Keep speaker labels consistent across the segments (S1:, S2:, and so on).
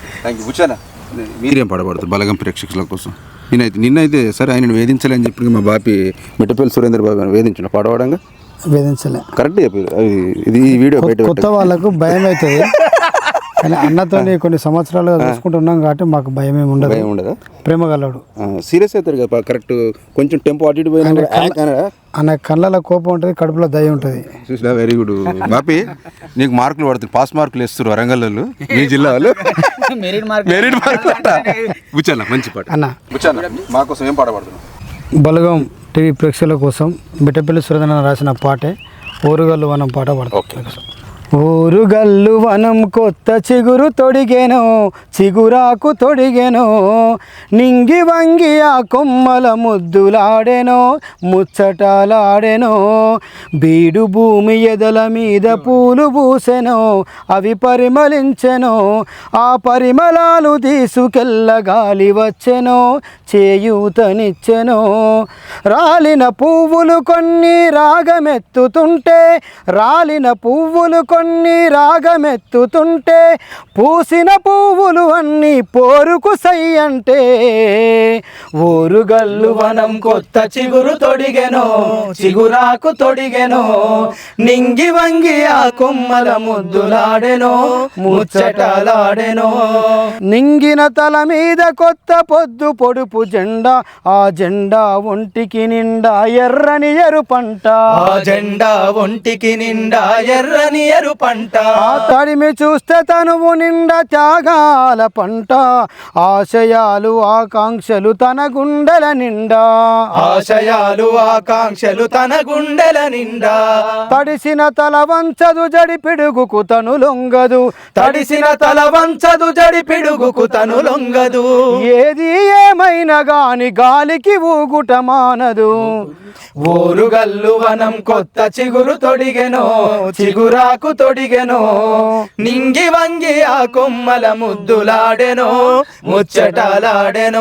S1: Thank you. కూర్చోనా మీరేం పడబడతారు బలగం ప్రేక్షకుల కోసం? నిన్నైతే సరే ఆయన వేధించలేని చెప్పి మా బాపి మిట్టపల్లి సురేంద్ర బాబు వేధించిన పడవడంగా
S2: వేధించలే.
S1: కరెక్ట్ చెప్పారు. ఇది వీడియో బయట
S2: కొత్త వాళ్ళకు భయం అవుతుంది, కానీ అన్నతో కొన్ని సంవత్సరాలుగా చూసుకుంటున్నాం కాబట్టి మాకు భయం ఏమి ఉండదు.
S1: భయం ఉండదా?
S2: ప్రేమ గలవాడు,
S1: సీరియస్ అవుతారు కదా కరెక్ట్. కొంచెం టెంపో అటు ఇటు పోయినా
S2: అన్న కళ్ళలో కోపం ఉంటుంది, కడుపులో దయ ఉంటుంది.
S1: చూసినా వెరీ గుడ్ బాపి. నీకు మార్కులు పడుతుంది, పాస్ మార్కులు వేస్తారు వరంగల్ వాళ్ళు, మీ జిల్లా వాళ్ళు మెరిట్ మార్కులు అంట. కూర్చోన్నా మంచి పాట అన్న. కూర్చోన్నా మా కోసం ఏం పాట పడుతున్నాం?
S2: బలగం టీవీ ప్రేక్షకుల కోసం మిట్టపల్లి సురేంద్ర రాసిన పాటే ఓరుగల్లు వనం పాట పడతాం. ఊరుగల్లు వనం కొత్త చిగురు తొడిగెనో, చిగురాకు తొడిగెనో, నింగి వంగి ఆ కొమ్మల ముద్దులాడెనో, ముచ్చటాలాడెనో, బీడు భూమి ఎదల మీద పూలు పూసెనో, అవి పరిమళించెనో, ఆ పరిమళాలు తీసుకెళ్ళ గాలి వచ్చెనో, చేయూతనిచ్చెనో, రాలిన పువ్వులు కొన్ని రాగమెత్తుతుంటే, రాలిన పువ్వులు కొన్ని రాగమెత్తుతుంటే, పూసిన పువ్వులు అన్నీ పోరుకు సై అంటే, ఊరుగల్లు వనం కొత్త చిగురు తొడిగెనో, చిగురాకు తొడిగెనో, నింగి వంగి ఆ కొమ్మల ముద్దులాడెనో, ముచ్చటలాడెనో, నింగిన తల మీద కొత్త పొద్దు పొడుపు జెండా, ఆ జెండా ఒంటికి నిండా ఎర్రని ఎరుపంట,
S3: ఆ జెండా ఒంటికి నిండా ఎర్రని ఎరుపంట,
S2: తడిమి చూస్తే తనువు నిండా త్యాగాల పంట, ఆశయాలు ఆకాంక్షలు తన గుండెల నిండా,
S3: ఆశయాలు ఆకాంక్షలు తన గుండెల నిండా,
S2: తడిసిన తల వంచదు జడి పిడుగుకు తను లొంగదు,
S3: తడిసిన తల వంచదు జడి పిడుగుకు తను లొంగదు,
S2: ఏది ఏమైనా గాని గాలికి ఊగుట మానదు,
S3: ఓరుగల్లు వనం కొత్త చిగురు తొడిగెనో, చిగురాకు తొడిగెనో, నింగి వంగి ఆ కొమ్మల ముద్దులాడెనో, ముచ్చటలాడెనో,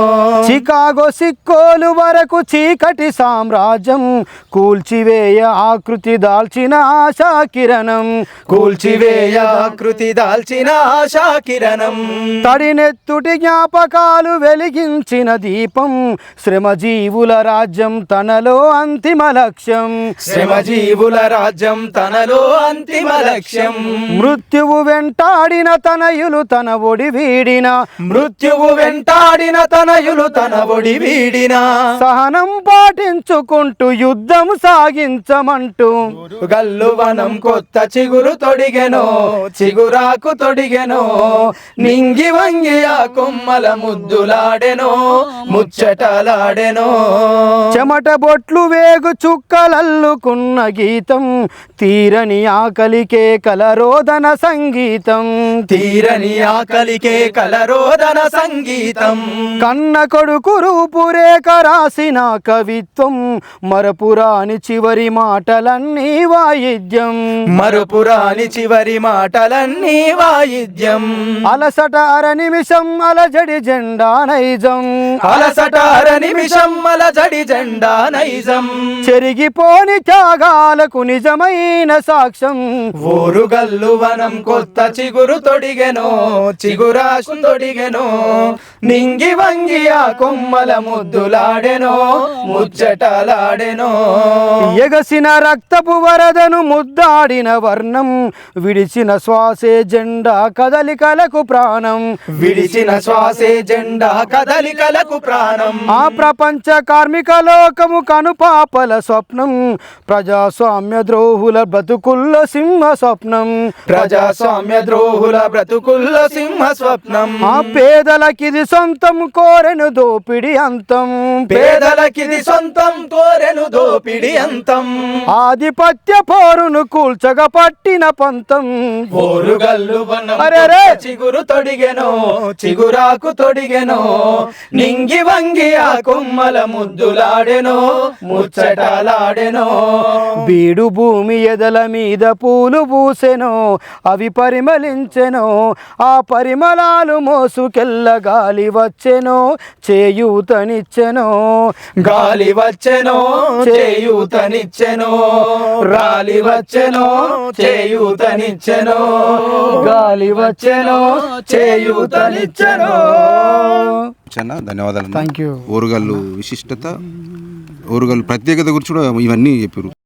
S2: చికాగో సిక్కోలు వరకు చీకటి సామ్రాజ్యం కూల్చివేయ ఆకృతి దాల్చిన ఆశా కిరణం,
S3: కూల్చివేయ ఆకృతి దాల్చిన ఆశా కిరణం,
S2: తడినెత్తుటి జ్ఞాపకాలు వెలిగించిన దీపం, శ్రమజీవుల రాజ్యం తనలో అంతిమ లక్ష్యం,
S3: శ్రమజీవుల రాజ్యం తనలో అంతిమ లక్ష్యం,
S2: మృత్యువు వెంటాడిన తనయులు తన ఒడి వీడిన,
S3: మృత్యువు వెంటాడిన తనయులు తన ఒడి వీడిన,
S2: సహనం పాటించుకుంటూ యుద్ధం సాగించమంటూ,
S3: గల్లు వనం కొత్త చిగురు తొడిగెనో, చిగురాకు తొడిగెనో, నింగి వంగి ఆ కొమ్మల ముద్దులాడెనో, ముచ్చటలాడెనో,
S2: చెమట బొట్లు వేగు చుక్కలల్లుకున్న గీతం, తీరని ఆకలికే కలరోదన సంగీతం,
S3: తీరని ఆకలికే కలరోదన సంగీతం,
S2: కన్న కొడుకు రూపురేఖ రాసిన కవిత్వం, మరపురాని చివరి మాటలన్నీ వాయిద్యం,
S3: మరుపురాని చివరి మాటలన్నీ వాయిద్యం,
S2: అలసట అర నిమిషం అలజడి జెండా నైజం,
S3: అలసట అర నిమిషం అలజడి జెండా నైజం,
S2: చెరిగిపోని త్యాగాలకు నిజమైన సాక్ష్యం,
S3: ఓరుగల్లు వనం కొత్త చిగురు తొడిగెనో, చిగురాకు తొడిగెనో, నింగి వంగి ఆ కొమ్మల ముద్దులాడెనో, ముచ్చటలాడెనో,
S2: ఎగసిన రక్తపు వరదను ముద్దాడిన వర్ణం, విడిచిన శ్వాసే జెండా కదలికలకు ప్రాణం,
S3: విడిచిన శ్వాసే జెండా కదలికలకు ప్రాణం,
S2: ఆ ప్రపంచ కార్మిక లోకము కనుపాపల స్వప్నం, ప్రజాస్వామ్య ద్రోహుల బ్రతుకుల్లో సింహ స్వప్నం,
S3: ప్రజాస్వామ్య ద్రోహుల బ్రతుకుల్లో సింహ స్వప్నం,
S2: ఆ పేదలకిది సొంతం కోరెను దోపిడి అంతం,
S3: పేదలకిది సొంతం కోరెను దోపిడి అంతం,
S2: ఆధిపత్య పోరును కూల్చగా పట్టిన పంతం,
S3: ఓరుగల్లు వనం
S2: అరెరే!
S3: చిగురు తొడిగెనో, చిగురాకు తొడిగెనో, నింగి వంగి ఆ కొమ్మల ముద్దులాడెనో, ముచ్చటలాడెనో,
S2: బీడు భూమి ఎదల మీద పూ పూలు పూసెను అవి పరిమళించెను ఆ పరిమళాలు మోసుకెళ్ళ గాలి వచ్చెను చేయూతనిచ్చెను
S3: గాలి వచ్చెను చేయూతనిచ్చెను రాలి వచ్చెను చేయూతనిచ్చెను గాలి వచ్చెను చేయూతనిచ్చెను.
S1: చాలా ధన్యవాదాలు.
S2: Thank you.
S1: ఓరుగల్లు విశిష్టత, ఓరుగల్లు ప్రత్యేకత గురించి కూడా ఇవన్నీ చెప్పారు.